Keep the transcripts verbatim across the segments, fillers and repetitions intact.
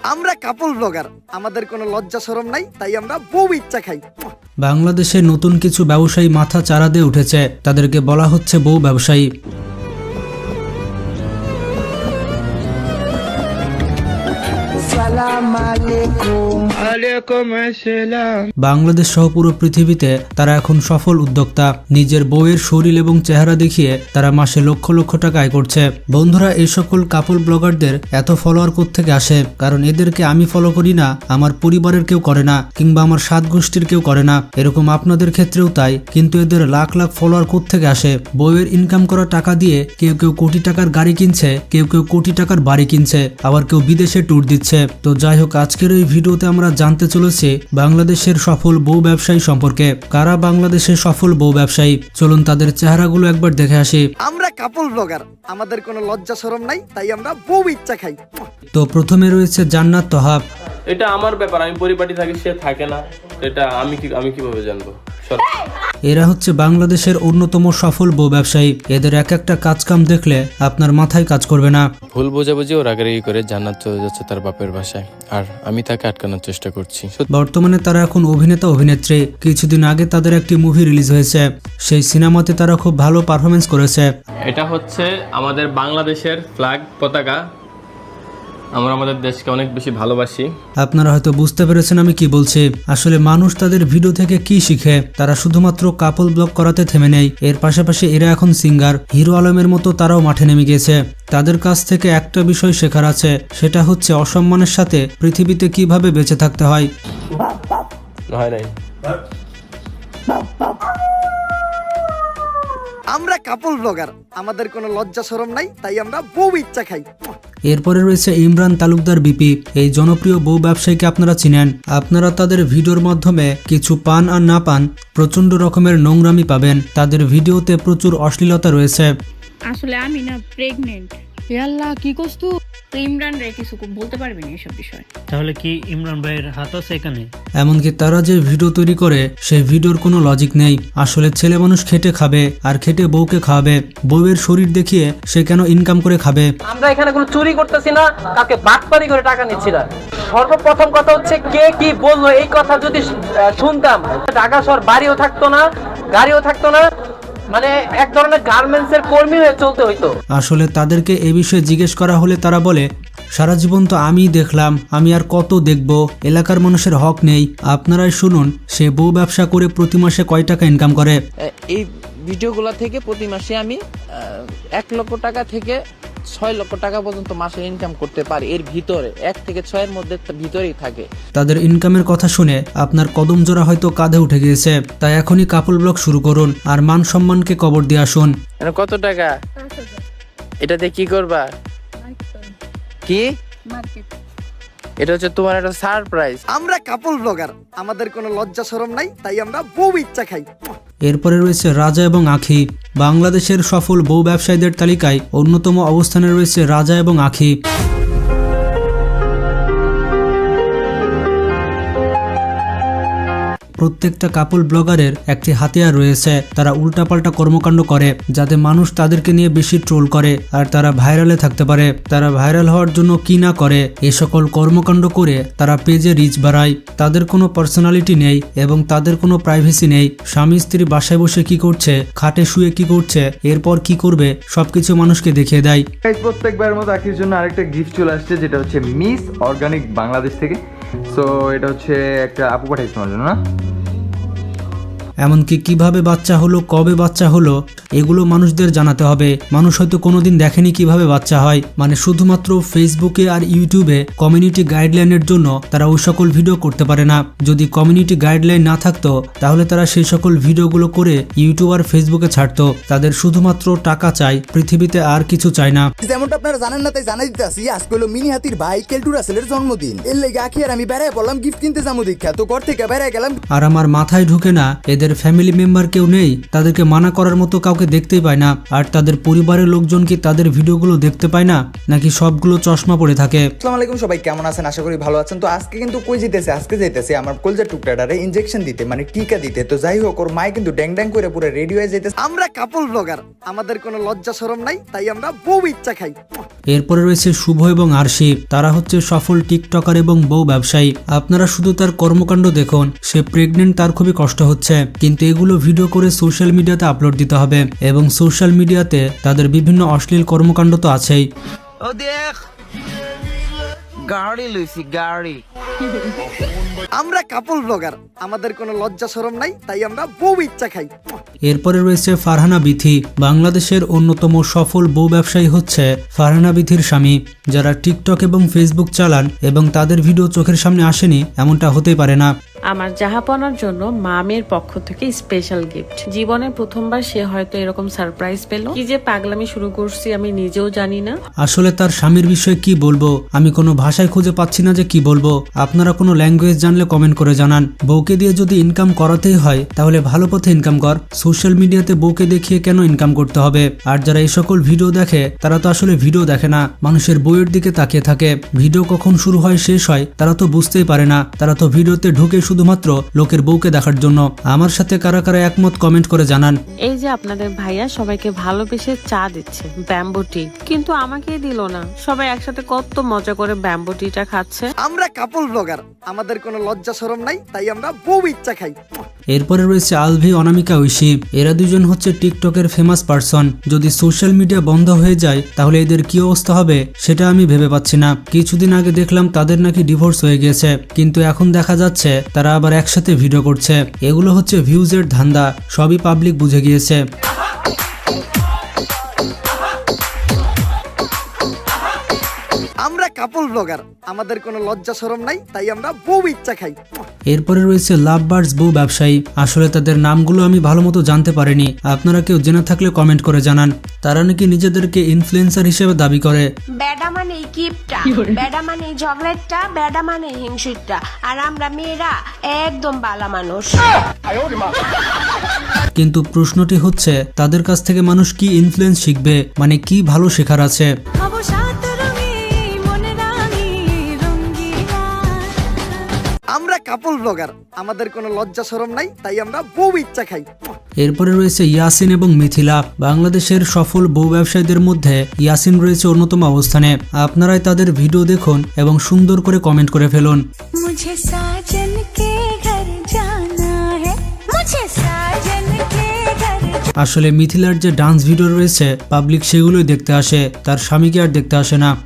আমরা কাপল ব্লগার, আমাদের কোনো লজ্জা শরম নাই, তাই আমরা বউ ইচ্ছা খাই। বাংলাদেশে নতুন কিছু ব্যবসায়ী মাথা চারা দিয়ে উঠেছে, তাদেরকে বলা হচ্ছে বউ ব্যবসায়ী। বাংলাদেশ সহ পুরো পৃথিবীতে তারা এখন সফল উদ্যোক্তা। নিজের বউয়ের শরীর এবং চেহারা দেখিয়ে তারা মাসে লক্ষ লক্ষ টাকা আয় করছে। বন্ধুরা, এই সকল কাপল ব্লগারদের এত ফলোয়ার কোত্থেকে আসে? কারণ এদেরকে আমি ফলো করি না, আমার পরিবারের কেউ করে না, কিংবা আমার সাত গোষ্ঠীর কেউ করে না। এরকম আপনাদের ক্ষেত্রেও তাই। কিন্তু এদের লাখ লাখ ফলোয়ার কোত্থেকে আসে? বউয়ের ইনকাম করা টাকা দিয়ে কেউ কেউ কোটি টাকার গাড়ি কিনছে, কেউ কেউ কোটি টাকার বাড়ি কিনছে, আবার কেউ বিদেশে ট্যুর দিচ্ছে। তো যাই হোক, আজকের এই ভিডিওতে আমরা জানতে চলেছি বাংলাদেশের সফল বউ ব্যবসায়ী সম্পর্কে। কারা বাংলাদেশের সফল বউ ব্যবসায়ী? চলুন তাদের চেহারাগুলো একবার দেখে আসি। আমরা কাপল ব্লগার, আমাদের কোনো লজ্জা শরম নাই, তাই আমরা বউ ইচ্ছা খাই। তো প্রথমে রয়েছে জান্নাত তোহাব। এটা আমার ব্যাপার, আমি পরিপাটি থাকি, সে থাকে না, এটা আমি কি আমি কিভাবে জানবো? এরা হচ্ছে বাংলাদেশের অন্যতম সফল বউ ব্যবসায়ী। এদের এক একটা কাজ কাম দেখলে আপনার মাথায় কাজ করবে না। ভুল বোঝাবুঝি ও রাগারাগি করে জান্নাত চলে যাচ্ছে তার বাপের বাসায়, আর আমি তাকে আটকানোর চেষ্টা করছি। বর্তমানে তারা এখন অভিনেতা অভিনেত্রী। কিছুদিন আগে তাদের একটি মুভি রিলিজ হয়েছে, সেই সিনেমাতে তারা খুব ভালো পারফরমেন্স করেছে। এটা হচ্ছে আমাদের বাংলাদেশের ফ্ল্যাগ পতাকা, আমরা আমাদের দেশকে অনেক বেশি ভালোবাসি। আপনারা হয়তো বুঝতে পেরেছেন আমি কি বলছি। আসলে মানুষ তাদের ভিডিও থেকে কি শিখে? তারা শুধুমাত্র কাপল ব্লগ করাতে থেমে নেই, এর পাশাপাশি এরা এখন সিঙ্গার। হিরো আলমের মতো তারাও মাঠে নেমে গিয়েছে। তাদের কাছ থেকে একটা বিষয় শেখার আছে, সেটা হচ্ছে অসম্মানের সাথে পৃথিবীতে কিভাবে বেঁচে থাকতে হয়। হয় নাই। আমরা কাপল ব্লগার, আমাদের কোনো লজ্জা শরম নাই, তাই আমরা বউ ইচ্ছা খাই। এরপরে রয়েছে ইমরান তালুকদার বিপি। এই জনপ্রিয় বউ ব্যবসায়ীকে আপনারা চিনেন। আপনারা তাদের ভিডিওর মাধ্যমে কিছু পান আর না পান, প্রচন্ড রকমের নোংরামি পাবেন। তাদের ভিডিওতে প্রচুর অশ্লীলতা রয়েছে। আসলে আমি না প্রেগনেন্ট। আল্লাহ, কি করছ তুই? ইমরান রে কিছু বলতে পারবি না এসব বিষয়। তাহলে কি ইমরান ভাইয়ের হাত আছে এখানে? এমনকি তারা যে ভিডিও তৈরি করে সেই ভিডিওর কোনো লজিক নেই। আসলে ছেলে মানুষ খেটে খাবে, আর খেটে বউকে খাওয়াবে। বউয়ের শরীর দেখিয়ে সে কেন ইনকাম করে খাবে? আমরা এখানে কোনো চুরি করতেছি না, কাকে বাটপারি করে টাকা নিচ্ছি না। সর্বপ্রথম কথা হচ্ছে, কে কি বললো এই কথা যদি শুনতাম, ঢাকা শহর বাড়িও থাকতো না, গাড়িও থাকতো না, মানে এক ধরনের গার্মেন্টস এর কর্মী হয়ে চলতে হইতো। আসলে তাদেরকে এই বিষয়ে জিজ্ঞেস করা হলে তারা বলে, সারা জীবন তো আমি দেখলাম, আমি আর কত দেখব, এলাকার মানুষের হক নেই। আপনারাই শুনুন সে বউ ব্যবসা করে প্রতি মাসে কয় টাকা ইনকাম করে। এই ভিডিওগুলো থেকে প্রতি মাসে আমি এক লক্ষ টাকা থেকে ছয় লক্ষ টাকা পর্যন্ত মাসে ইনকাম করতে পারি। এর ভিতরে এক থেকে ছয়ের মধ্যে ভিতরেই থাকে। তাদের ইনকামের কথা শুনে আপনার কদম জোড়া হয়তো কাঁধে উঠে গিয়েছে। তাই এখনই কাপল ব্লগ শুরু করুন আর মান সম্মানকে কবর দিয়ে আসুন। কত টাকা? এটাতে কি করবা? কি? এটা হচ্ছে তোমার একটা সারপ্রাইজ। আমরা কাপল ব্লগার, আমাদের কোনো লজ্জা শরম নাই, তাই আমরা বউ ইচ্ছা খাই। এরপরে রয়েছে রাজা এবং আখি। বাংলাদেশের সফল বউ ব্যবসায়ীদের তালিকায় অন্যতম অবস্থানে রয়েছে রাজা এবং আখি। প্রত্যেকটা কাপল ব্লগারের একটি হাতিয়ার রয়েছে। তারা উল্টাপাল্টা কর্মকাণ্ড করে যাতে মানুষ তাদেরকে নিয়ে বেশি ট্রোল করে আর তারা ভাইরালে থাকতে পারে। তারা ভাইরাল হওয়ার জন্য কি না করে, এ সকল কর্মকাণ্ড করে তারা পেজে রিচ বাড়ায়। তাদের কোনো পার্সোনালিটি নেই এবং তাদের কোনো প্রাইভেসি নেই। স্বামী স্ত্রী বাসায় বসে কি করছে, খাটে শুয়ে কি করছে, এরপর কি করবে, সবকিছু মানুষকে দেখিয়ে দেয়। প্রত্যেকবার মতো আখির জন্য আরেকটা গিফট চলে আসছে, যেটা হচ্ছে মিস অর্গানিক বাংলাদেশ থেকে। সো এটা হচ্ছে একটা আপু পাঠাইছে তোমার জন্য না? এমনকি কিভাবে বাচ্চা হলো, কবে বাচ্চা হলো, এগুলো মানুষদের জানাতে হবে। মানুষ হয়তো কোনোদিন দেখেনি কিভাবে বাচ্চা হয়। মানে শুধুমাত্র ফেসবুকে আর ইউটিউবে কমিউনিটি গাইডলাইনের জন্য তারা ওই সকল ভিডিও করতে পারে না। যদি কমিউনিটি গাইডলাইন না থাকতো তাহলে তারা সেই সকল ভিডিওগুলো করে ইউটিউব আর ফেসবুকে ছাড়তো। তাদের শুধুমাত্র টাকা চাই, পৃথিবীতে আর কিছু চায় না। যেমনটা আপনারা জানেন না তাই জানাই দিতেছি, আজকে হলো মিনি হাতির ভাই কেলটু রাসেলের জন্মদিন। এর লেগে আখি আর আমি বেড়ায় পড়লাম গিফট কিনতে যাবো দেখা, তো ঘর থেকে বেড়ায় গেলাম। আর আমার মাথায় ঢুকে না এদের তাদের ফ্যামিলি মেম্বার কেউ নেই, তাদেরকে মানা করার মতো কাউকে দেখতেই পায় না, আর তাদের পরিবারের লোকজন কি তাদের ভিডিওগুলো দেখতে পায় না, নাকি সবগুলো চশমা পড়ে থাকে? আসসালামু আলাইকুম সবাই, কেমন আছেন? আশা করি ভালো আছেন। তো আজকে কিন্তু কই যেতেছে, আজকে যেতেছে আমার কলজার টুকটাটারে ইনজেকশন দিতে, মানে টিকা দিতে। তো যাই হোক, ওর মায়ে কিন্তু ড্যাং ড্যাং করে পুরো রেডি হয়ে যেতেছে। আমরা কাপল ব্লগার, আমাদের কোনো লজ্জা শরম নাই, তাই আমরা বউ ইচ্ছা খাই। এরপরে রয়েছে শুভ এবং আরশি, তারা হচ্ছে সফল টিকটকার এবং বউ ব্যবসায়ী। আপনারা শুধু তার কর্মকাণ্ড দেখুন, সে প্রেগনেন্ট, তার খুবই কষ্ট হচ্ছে, কিন্তু এগুলো ভিডিও করে সোশ্যাল মিডিয়াতে আপলোড দিতে হবে, এবং সোশ্যাল মিডিয়াতে তাদের বিভিন্ন অশ্লীল কর্মকাণ্ড তো আছেই। ও দেখ গাড়ি লইছি গাড়ি। আমরা কাপল ব্লগার, আমাদের কোনো লজ্জা শরম নাই, তাই আমরা বউ ইচ্ছা খাই। এরপরে রয়েছে ফারহানা বিথি, বাংলাদেশের অন্যতম সফল বউ ব্যবসায়ী হচ্ছে ফারহানা বিথির স্বামী। যারা টিকটক এবং ফেসবুক চালান এবং তাদের ভিডিও চোখের সামনে আসেনি, এমনটা হতেই পারে না। আমার জাহাপনার জন্য মামের পক্ষ থেকে স্পেশাল গিফট। জীবনে প্রথমবার সে হয়তো এরকম সারপ্রাইজ পেল। কি যে পাগলামি শুরু করছি আমি নিজেও জানি না। আসলে তার স্বামীর বিষয়ে কি বলবো, আমি কোনো ভাষায় খুঁজে পাচ্ছি না যে কি বলবো। আপনারা কোনো ল্যাঙ্গুয়েজ জানলে কমেন্ট করে জানান। বউকে দিয়ে যদি ইনকাম করাতেই হয় তাহলে ভালো পথে ইনকাম কর, সোশ্যাল মিডিয়াতে বউকে দেখিয়ে কেন ইনকাম করতে হবে? আর যারা এই সকল ভিডিও দেখে তারা তো আসলে ভিডিও দেখে না, মানুষের বউয়ের দিকে তাকিয়ে থাকে। ভিডিও কখন শুরু হয় শেষ হয় তারা তো বুঝতেই পারে না, তারা তো ভিডিওতে ঢুকে শুধুমাত্র লোকের বউকে দেখার জন্য। আমার সাথে কারা কারা একমত কমেন্ট করে জানান। এই যে আপনাদের ভাইয়া সবাইকে ভালোবেসে চা দিচ্ছে ব্যাম্বো টি, কিন্তু আমাকে দিল না। সবাই একসাথে কত মজা করে ব্যাম্বো টিটা খাচ্ছে। আমরা কাপল ব্লগার, আমাদের কোনো লজ্জা শরম নাই, তাই আমরা বউ ইচ্ছা খাই। এরপরে রয়েছে আলভি, অনামিকা, ঐশী। এরা দুজন হচ্ছে টিকটকের ফেমাস পারসন। যদি সোশ্যাল মিডিয়া বন্ধ হয়ে যায় তাহলে এদের কি অবস্থা হবে সেটা আমি ভেবে পাচ্ছি না। কিছুদিন আগে দেখলাম তাদের নাকি ডিভোর্স হয়ে গেছে, কিন্তু এখন দেখা যাচ্ছে তারা আবার একসাথে ভিডিও করছে। এগুলো হচ্ছে ভিউজের ধান্দা, সবই পাবলিক বুঝে গিয়েছে। আমরা কাপল ব্লগার, আমাদের কোনো লজ্জা শরম নাই, তাই আমরা বউ ইচ্ছা খাই। এরপরে রয়েছে লাভ বার্ডস বউ ব্যবসায়ী। আসলে তাদের নামগুলো আমি ভালো মতো জানতে পারিনি, আপনারা কেউ জেনে থাকলে কমেন্ট করে জানান। তারা নাকি নিজেদেরকে ইনফ্লুয়েন্সার হিসেবে দাবি করে। বেডা মানে কিপটা, বেডা মানে ঝগড়াটা, বেডা মানে হিংসুটটা, আর আমরা মেয়েরা একদম বালা মানুষ। কিন্তু প্রশ্নটি হচ্ছে তাদের কাছ থেকে মানুষ কি ইনফ্লুয়েন্স শিখবে, মানে কি ভালো শেখার আছে? আমরা কাপল ব্লগার, আমাদের কোনো লজ্জা শরম নাই, তাই আমরা বউ ইচ্ছা খাই। এরপরে রয়েছে ইয়াসিন এবং মিথিলা। বাংলাদেশের সফল বউ ব্যবসায়ীদের মধ্যে ইয়াসিন রয়েছে অন্যতম অবস্থানে। আপনারাই তাদের ভিডিও দেখুন এবং সুন্দর করে কমেন্ট করে ফেলুন। মুঝে সাজন কে ঘর জানা হ্যায়, মুঝে সাজন কে ঘর। আসলে মিথিলার যে ডান্স ভিডিও রয়েছে পাবলিক সেগুলোই দেখতে আসে, তার স্বামীকে আর দেখতে আসে না।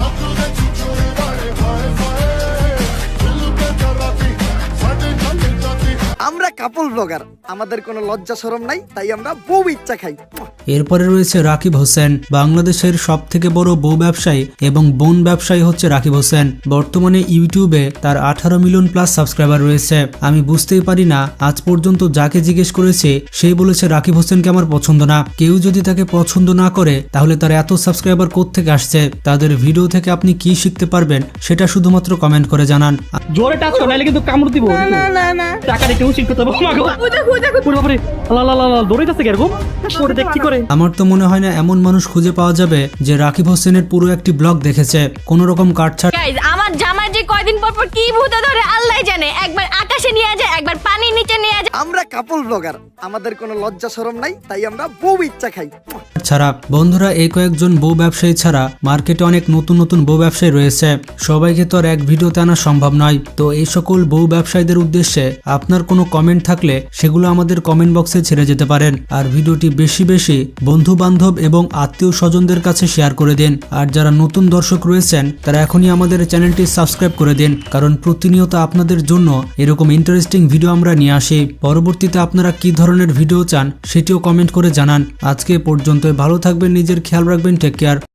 আমরা কাপল ব্লগার, আমাদের কোনো লজ্জা শরম নাই, তাই আমরা বউ ইচ্ছা খাই। এরপরে রয়েছে রাকিব হোসেন। বাংলাদেশের সব থেকে বড় বউ ব্যবসায়ী এবং বোন ব্যবসায়ী হচ্ছে রাকিব হোসেন। বর্তমানে ইউটিউবে তার আঠারো মিলিয়ন প্লাস সাবস্ক্রাইবার রয়েছে। আমি বুঝতেই পারি না, আজ পর্যন্ত যাকে জিজ্ঞেস করেছে সেই বলেছে রাকিব হোসেনকে আমার পছন্দ না। কেউ যদি তাকে পছন্দ না করে তাহলে তার এত সাবস্ক্রাইবার কোত্থেকে আসছে? তাদের ভিডিও থেকে আপনি কি শিখতে পারবেন সেটা শুধুমাত্র কমেন্ট করে জানান। জোরে টাচ করো নাইলে কিন্তু কামড় দিব। না না না টাকা দিতে উচিত করতে হবে। মাগো খুঁজে খুঁজে পুরো বাপরে লা লা লা দৌড়ে যাচ্ছে এরকম করে দেখ কি করে। আমার তো মনে হয় না এমন মানুষ খুঁজে পাওয়া যাবে যে রাকিব হোসেনের পুরো একটি ব্লগ দেখেছে, কোন রকম কাটছাট। গাইস, আমার জামার যে কয়দিন পর পর কি ভূতে ধরে আল্লাহ জানে। একবার আকাশে নিয়ে যায়, একবার পানির নিচে নিয়ে যায়। আমরা কাপল ব্লগার, আমাদের কোনো লজ্জা শরম নাই, তাই আমরা বউ ইচ্ছা খাই। ছাড়া বন্ধুরা, এই কয়েকজন বউ ব্যবসায়ী ছাড়া মার্কেটে অনেক নতুন নতুন বউ ব্যবসায়ী রয়েছে। সবাইকে তো আর এক ভিডিওতে আনা সম্ভব নয়। তো এই সকল বউ ব্যবসায়ীদের উদ্দেশ্যে আপনার কোনো কমেন্ট থাকলে সেগুলো আমাদের কমেন্ট বক্সে ছেড়ে যেতে পারেন। আর ভিডিওটি বেশি বেশি বন্ধু বান্ধব এবং আত্মীয় স্বজনদের কাছে শেয়ার করে দিন। আর যারা নতুন দর্শক রয়েছেন তারা এখনই আমাদের চ্যানেলটি সাবস্ক্রাইব করে দিন, কারণ প্রতিনিয়ত আপনাদের জন্য এরকম ইন্টারেস্টিং ভিডিও আমরা নিয়ে আসি। পরবর্তীতে আপনারা কি ধরনের ভিডিও চান সেটিও কমেন্ট করে জানান। আজকে পর্যন্ত ভালো থাকবেন, নিজের খেয়াল রাখবেন, টেক কেয়ার।